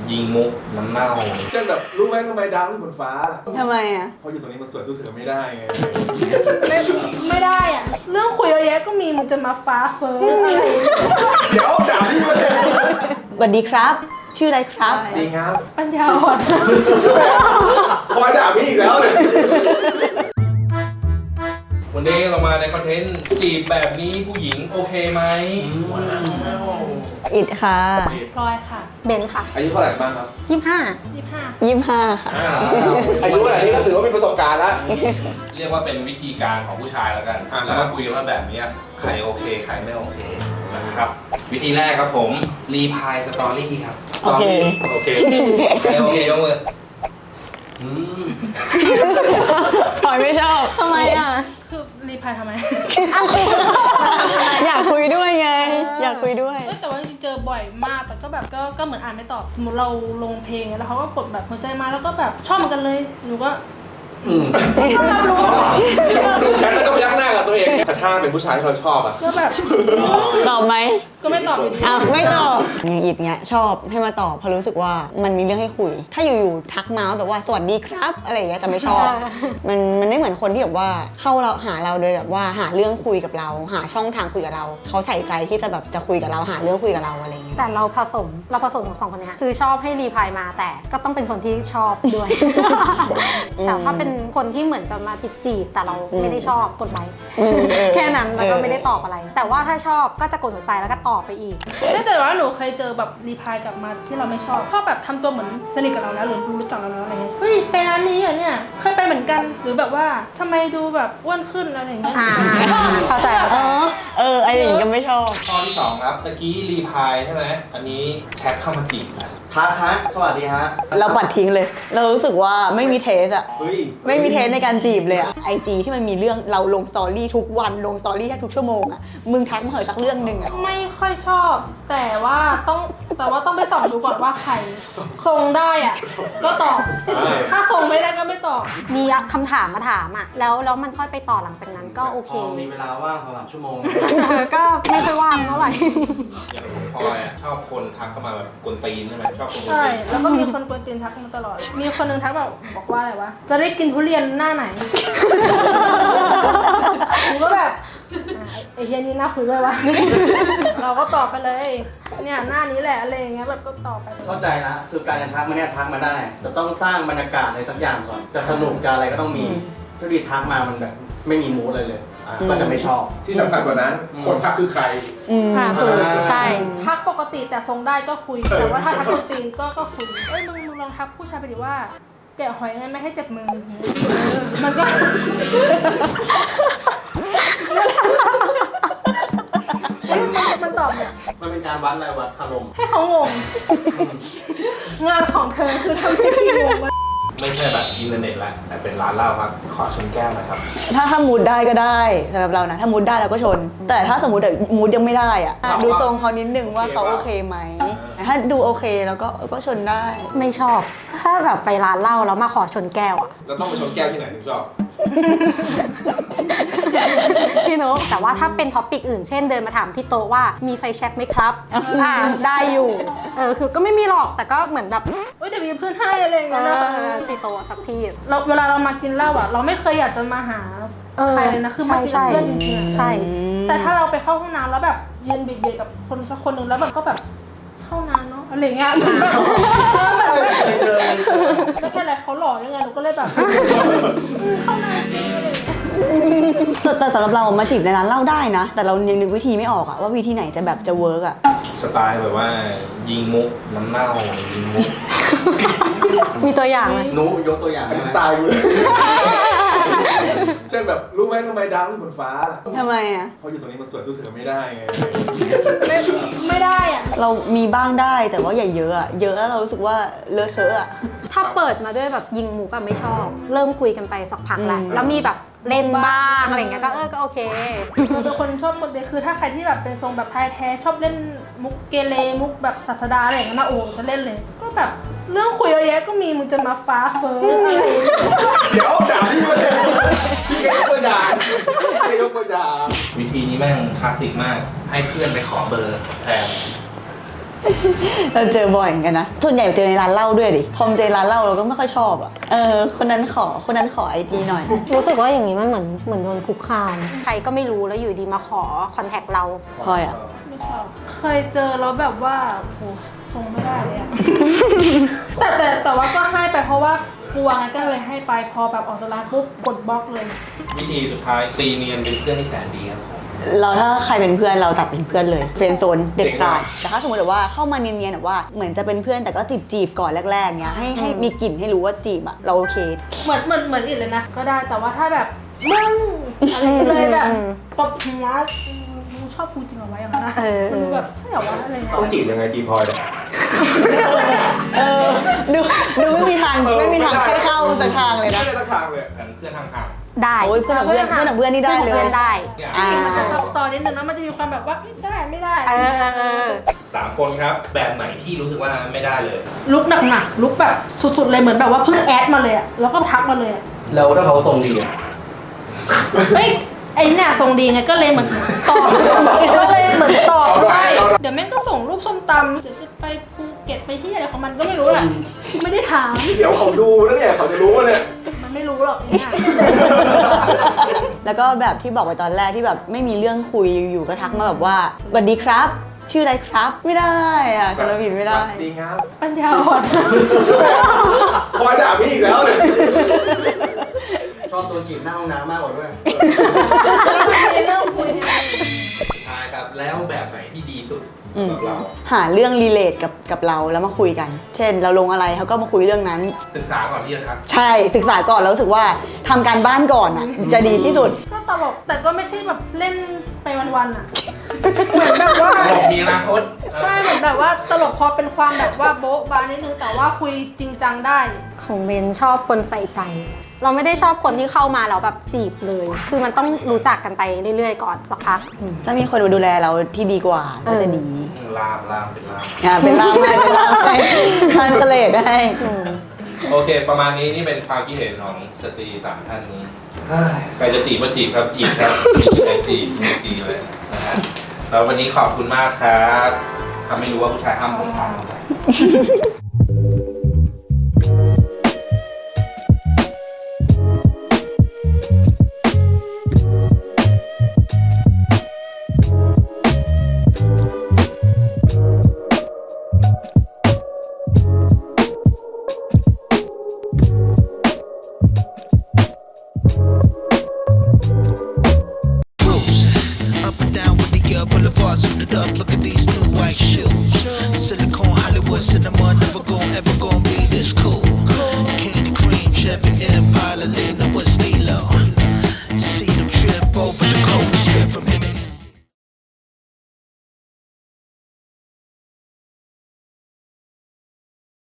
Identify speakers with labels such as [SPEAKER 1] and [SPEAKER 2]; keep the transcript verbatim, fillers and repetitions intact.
[SPEAKER 1] ยิงมุกน้ำเน่า
[SPEAKER 2] เช่นแบบรู้ไหมทำไมดาวที่บนฟ้า
[SPEAKER 3] ทำไมอ่ะ
[SPEAKER 2] เพราะอยู่ตรงนี้มันสวยสู้เธอไม่ได้ไง
[SPEAKER 4] ไม่ไม่ได้อ่ะเรื่องคุยเยอะแยะก็มีมึงจะมาฟ้าเฟ้ออะไร
[SPEAKER 2] เดี๋ยวด่าพี่มาเลย
[SPEAKER 3] สวัสดีครับชื่ออะไรครับ
[SPEAKER 2] ดีครับ
[SPEAKER 4] ปัญญาอ่อน
[SPEAKER 2] คอยด่าพี่อีกแล้วเลย
[SPEAKER 1] วันนี้เรามาในคอนเทนต์จีบแบบนี้ผู้หญิงโอเคไหมว้าว
[SPEAKER 3] อิดค่ะ
[SPEAKER 4] พลอยค่ะ
[SPEAKER 5] เบนค่ะ
[SPEAKER 2] อายุเท่าไหร่บ้างครับ
[SPEAKER 5] ยี่สิบห้า
[SPEAKER 4] ยี่สิบห้า
[SPEAKER 3] ยี่สิบห้าค่ะ
[SPEAKER 2] อายุเท่าไหร่นี่ก็ถือว่าเป็นประสบการณ์แล้ว
[SPEAKER 1] เรียกว่าเป็นวิธีการของผู้ชายแล้วกันแล้วก็คุยกันว่าแบบนี้ใครโอเคใครไม่โอเคนะครับวิธีแรกครับผมรีพายสตอรี่ครับ
[SPEAKER 3] โอเค
[SPEAKER 1] โอเคใครโอเคยกมือ
[SPEAKER 3] พลอยไม่ชอบ
[SPEAKER 5] ทำไมอ่ะ
[SPEAKER 4] คือรีพายทำไม
[SPEAKER 3] อยากคุยด้วยไงอยากคุยด้วย
[SPEAKER 4] แต่ว่าจริงๆเจอบ่อยมากแต่ก็แบบก็ก็เหมือนอ่านไม่ตอบสมมติเราลงเพลงแล้วเขาก็กดแบบหัวใจมาแล้วก็แบบชอบเหมือนกันเลยหนูก็
[SPEAKER 2] ดูแชทแล้วก็ยักหน้ากับตัวเองแต่ถ้าเป็นผู้ชายที่เราชอบอะ
[SPEAKER 4] ก็แบบ
[SPEAKER 3] ตอบไหม
[SPEAKER 4] ก็ไม่ตอบอยู่ดี
[SPEAKER 3] อ้าวไม่ตอบอย่างอิดเงี้ยชอบให้มาตอบเพราะรู้สึกว่ามันมีเรื่องให้คุยถ้าอยู่ๆทักมาแบบว่าสวัสดีครับอะไรอย่างเงี้ยจะไม่ชอบมันมันไม่เหมือนคนที่แบบว่าเข้าเราหาเราโดยแบบว่าหาเรื่องคุยกับเราหาช่องทางคุยกับเราเขาใส่ใจที่จะแบบจะคุยกับเราหาเรื่องคุยกับเราอะไรเงี้ย
[SPEAKER 5] แต่เราผสมเราผสมของสองคนนี้คือชอบให้รีพายมาแต่ก็ต้องเป็นคนที่ชอบด้วยแต่ถ้าเป็นคนที่เหมือนจะมาจีบๆแต่เราไม่ได้ชอบกดไลค์แค่นั้นแล้วก็ไม่ได้ตอบอะไรแต่ว่าถ้าชอบก็จะกดหัวใจแล้วก็ตอบไปอีก
[SPEAKER 4] ไม่แต่ว่าหนูเคยเจอแบบรีพายกลับมาที่เราไม่ชอบชอบแบบทำตัวเหมือนสนิทกับเราแล้วหรือรู้จักเราแล้วอะไรเงี้ยเฮ้ยไปร้านนี้เหรอเนี่ยเคยไปเหมือนกันหรือแบบว่าทำไมดูแบบอ้วนขึ้นอะไรเงี้ย
[SPEAKER 5] เข้าใจ
[SPEAKER 3] เออเออไอ้อย่างก็ไม่ชอบ
[SPEAKER 1] ข้อที่สองครับตะกี้รีพายใช่ไหมอันนี้แชทเข้ามาจีบนะ
[SPEAKER 2] ทักฮะสวัสดีฮะ
[SPEAKER 3] เราปัดทิ้งเลยเรารู้สึกว่าไม่มีเทสอะไม่มีเทสในการจีบเลยอะไอจีที่มันมีเรื่องเราลงสตอรี่ทุกวันลงสตอรี่แค่ทุกชั่วโมงอะมึงทักมาเหอะสักเรื่องหนึ่งอะ
[SPEAKER 4] ไม่ค่อยชอบแต่ว่าต้องแต่ว่าต้องไปส่องดูก่อนว่าใครทรงได้อะก็ตอบถ้าทรงไม่ได้ก็ไม่ตอบ
[SPEAKER 5] มีคำถามมาถามอะแล้วแล้วมันค่อยไปต่อหลังจากนั้นก็โอเค
[SPEAKER 2] มีเวลาว่างสำหรับชั่วโมง
[SPEAKER 5] ก็ไม่ค่อยว่างเท่าไหร่
[SPEAKER 1] อย่างพลอยอะชอบคนทักเข้ามาแบบกวนตีนใช่ไหมชอบคนกวนตีน
[SPEAKER 4] ใช่แล้วก็มีคนกวนตีนทักมาตลอดมีคนนึงทักแบบบอกว่าอะไรวะจะได้กินทุเรียนหน้าไหนผมก็แบบไอ้เฮียนี่น่าคุยด้วยวะเราก็ตอบไปเลยเนี่ยหน้านี้แหละอะไรอย่างเงี้ยแบบก็ตอบไป
[SPEAKER 2] เข้าใจนะคือการจะทักมาเนี่ยทักมาได้แต่ต้องสร้างบรรยากาศอะไรสักอย่างก่อนจะสนุกจะอะไรก็ต้องมีถ้าดีทักมามันแบบไม่มีมูดเลยเลยก็จะไม่ชอบที่สำคัญกว่านั้นคนทักคือใคร
[SPEAKER 5] ค่ะถูกใช่
[SPEAKER 4] ทักปกติแต่ทรงได้ก็คุยแต่ว่าถ้าทักกวนตีนก็ก็คุยเอ้ยมึงมึงลองทักผู้ชายไปดิว่าแกะหอยงั้นไม่ให้เจ็บมือมันก็มันตอบเนี่ย
[SPEAKER 2] มันเป็นการวัดอะไรวัดคารม
[SPEAKER 4] ให้เขางงงานของเธอคือทำให้ชีงง
[SPEAKER 1] ไม่ใช่แบบอินเทอร์เน็ตละแต่เป็นร้านเหล้าครับขอชนแก้วหน่อยครับ
[SPEAKER 3] ถ้าถ้ามูดได้ก็ได้สำหรับเรานะถ้ามูดได้เราก็ชนแต่ถ้าสมมติมูดยังไม่ได้อะดูทรงเขานิดนึงว่าเขาโอเคไหมถ้าดูโอเคแล้วก็ก็ชนได้
[SPEAKER 5] ไม่ชอบถ้าแบบไปร้านเหล้าแล้วมาขอชนแก้วอะ
[SPEAKER 1] เราต้องไปชนแก้วที่ไหนถึงชอบ
[SPEAKER 5] พี่นกแต่ว่าถ้าเป็นท็อปิกอื่นเช่นเดินมาถามที่โต๊ะว่ามีไฟแช็กไหมครับอ่าได้อยู่เออคือก็ไม่มีหรอกแต่ก็เหมือนแบบ
[SPEAKER 4] เอ้ยเดี๋ยวมีเพื่อนให้อะไรอย่างเงี้ยนะ
[SPEAKER 5] ที่โต๊ะสักที่
[SPEAKER 4] เราเวลาเรามากินเหล้าอ่ะเราไม่เคยอยากจะมาหาใครเลยนะคือมากินเพื่อนจริงๆ
[SPEAKER 5] ใช่
[SPEAKER 4] แต่ถ้าเราไปเข้าห้องน้ำแล้วแบบยืนเบียดๆกับคนสักคนหนึ่งแล้วแบบก็แบบเข้านานเนาะอะไรเงี้ยไม่ใช่อะไรเขาหล่อยังไงหนูก็เลยแบบเข้านานจริงอะไร
[SPEAKER 3] แต่สำหรับเรามาจีบในร้านเหล้าได้นะแต่เรายังนึกวิธีไม่ออกอะว่าวิธีไหนจะแบบจะเวิร์กอะ
[SPEAKER 1] สไตล์แบบว่ายิงมุกน้ำเน่ายิงมุก
[SPEAKER 5] มีตัวอย่างไหม
[SPEAKER 2] หนูยกตัวอย่างสไตล์เลยเช่นแบบรู้ไหมทำไมดาวที่บนฟ้า
[SPEAKER 3] ทำไมอะ
[SPEAKER 2] เพราะอยู่ตรงนี้มันสวยสู้เธอไม่ได้ไง
[SPEAKER 4] ไม่ไม่ได้อะ
[SPEAKER 3] เรามีบ้างได้แต่ว่าอย่าเยอะอะเยอะแล้วเรารู้สึกว่าเลอะเทอะอะ
[SPEAKER 5] ถ้าเปิดมาด้วยแบบยิงมุกก็ไม่ชอบเริ่มคุยกันไปสักพักแล้วแล้วมีแบบเล่นบ้างอะไรเงี้ยก็เออก็โอเค
[SPEAKER 4] เราเป็นคนชอบคนเดียวคือถ้าใครที่แบบเป็นทรงแบบไทยแท้ชอบเล่นมุกเกเรมุกแบบศาสดาอะไรอย่างเงี้ยนะโอ้จะเล่นเลยก็แบบเรื่องคุยเยอะแยะก็มีมึงจะมาฟ้าเฟ้ออะไร
[SPEAKER 2] เดี๋ยวด่าพี่มาเลยพี่แกยกตัวอย่างพี่แกยกตัวอย่าง
[SPEAKER 1] วิธีนี้แม่งคลาสสิกมากให้เพื่อนไปขอเบอร์แทน
[SPEAKER 3] เราเจอบ่อยเหมือนกันนะส่วนใหญ่เจอในร้านเหล้าด้วยดิพอมาเจอร้านเหล้าเราก็ไม่ค่อยชอบอ่ะเออคนนั้นขอคนนั้นขอไอจีหน่อย
[SPEAKER 5] รู้สึกว่าอย่างนี้มันเหมือนเหมือนโดนคุกคามใครก็ไม่รู้แล้วอยู่ดีมาขอคอนแทคเรา
[SPEAKER 3] พลอยอ่ะ
[SPEAKER 4] ไม่ชอบเคยเจอแล้วแบบว่าโหทรงไม่ได้เลยอะ แต่แต่แต่ว่าก็ให้ไปเพราะว่ากลัวไงก็เลยให้ไปพอแบบออกสลาปุ๊บกดบล็อกเลย
[SPEAKER 1] วิธีสุดท้ายตีเนียนเป็นเพื่อนที่แสนดีครับผม
[SPEAKER 3] เราถ้าใครเป็นเพื่อนเราจัดเป็นเพื่อนเลยเฟรนด์โซนเด็ดขาดแต่ถ้าสมมติแบบว่าเข้ามาเนียนๆแบบว่าเหมือนจะเป็นเพื่อนแต่ก็จีบจีบๆก่อนแรกๆเนี้ยให้ให้มีกลิ่นให้รู้ว่าจีบอะเราโอเค
[SPEAKER 4] เหมือนเหมือนเหมือนอีกเลยนะ ก็ได้แต่ว่าถ้าแบบมึงอะไรเลยแบบตบหัวมึงชอบกูจริงเหรอวะอย่างนั้นนะ
[SPEAKER 5] เออ
[SPEAKER 4] มันดูแบบใช่เหรอวะอะไรเงี้ย
[SPEAKER 2] ต้องจีบยังไงจีพลอยเนี่ย
[SPEAKER 3] เออดูดูไม่มีทางไม่มีทางให้เข้าสักทางเลยนะ
[SPEAKER 2] ไม่ได้สักทางเลย
[SPEAKER 1] กันเพื่อนทางห่าง
[SPEAKER 5] ได้
[SPEAKER 3] โอ้ยเพื่อนกับเพื่อนเพื่อนกับเพื่อนนี่ได้เล
[SPEAKER 5] เพื่
[SPEAKER 3] ย
[SPEAKER 5] อนได้
[SPEAKER 1] อย่าง
[SPEAKER 3] อ่า
[SPEAKER 4] มันจะซับซ้อนนิดนึงนะมันจะมีความแบบว่าไม่ได้ไม่ได้
[SPEAKER 5] เออเออเออ
[SPEAKER 1] สามคนครับ แบบไหนที่รู้สึกว่าไม่ได้เลย
[SPEAKER 4] ลุกหนักๆลุกแบบสุดๆเลยเหมือนแบบว่าเพิ่งแอดมาเลยอะแล้วก็ทักมาเลยอะ
[SPEAKER 2] แล้วถ้าเขาทรงดีอะ
[SPEAKER 4] เฮ้ยไอ้เนี่ยทรงดีไงก็เลยเหมือนตอบก็เลยเหมือนตอบได้เดี๋ยวแม่งก็ส่งรูปส้มตำเดี๋ยวจะไปภูเก็ตไปที่อะไรของมันก็ไม่รู้แหละไม่ได้ถาม
[SPEAKER 2] เดี๋ยวเขาดูนะเนี่ยเขาจะรู้ว่าเนี่ย
[SPEAKER 4] มันไม่รู้หรอกเนี่ย
[SPEAKER 3] แล้วก็แบบที่บอกไปตอนแรกที่แบบไม่มีเรื่องคุยอยู่ๆก็ทักมาแบบว่าสวัสดีครับ ชื่ออะไรครับไม่ได้อ่ะจำผิดไม่ได้
[SPEAKER 2] ดีครับ
[SPEAKER 4] ปัญญาอ่อน
[SPEAKER 2] พลอยด่าพี่อีกแล้วเนี่ยชอบโซนจีบหน้าห้องน้ำมากกว่าด้วย
[SPEAKER 4] เริ่มคุย
[SPEAKER 1] สุดท้ายครับ แล้วแบบไหนที่ดีสุดสำหรับเรา
[SPEAKER 3] หาเรื่องรีเลทกับกับเราแล้วมาคุยกัน เช่น เราลงอะไรเขาก็มาคุยเรื่องนั้น
[SPEAKER 1] ศึกษาก่อนที่จะทัก
[SPEAKER 3] ใช่ศึกษาก่อนแล้วรู้สึกว่าทำการบ้านก่อนอ่ะจะดีที่สุด
[SPEAKER 4] ก็ตลกแต่ก็ไม่ใช่แบบเล่นไปวันๆอ่ะเหมือนแบบว่า
[SPEAKER 1] บอกมีอนาคต
[SPEAKER 4] ใช่เหมือนแบบว่าตลกพอเป็นความแบบว่าโบ๊ะบานิดนึงแต่ว่าคุยจริงจังได้
[SPEAKER 5] ของเบนชอบคนใส่ใจ เราไม่ได้ชอบคนที่เข้ามาแล้วแบบจีบเลย คือมันต้องรู้จักกันไปเรื่อยๆก่อนสักพัก
[SPEAKER 3] ถ้ามีคนมาดูแลเราที่ดีกว่าก็จะดี
[SPEAKER 1] ลามลามเป็นลาม
[SPEAKER 3] อ่าเป็นล่ามให้เป็นล่ามให้ทานเสลดให้
[SPEAKER 1] โอเค ประมาณนี้นี่เป็นความคิดเห็นของสตรีสามท่านนี้เฮ้ยใครจะจีบมาจีบครับจีบครับใครจีบจีบจีบเลยนะฮะแล้ววันนี้ขอบคุณมากครับทำให้รู้ว่าผู้ชายห้ามผมทำ
[SPEAKER 6] Up and down with the uh, boulevard suited up. Look at these new white shoes. Silicone Hollywood cinema never gon' ever gon' be this cool. Candy cream, Chevy Impala,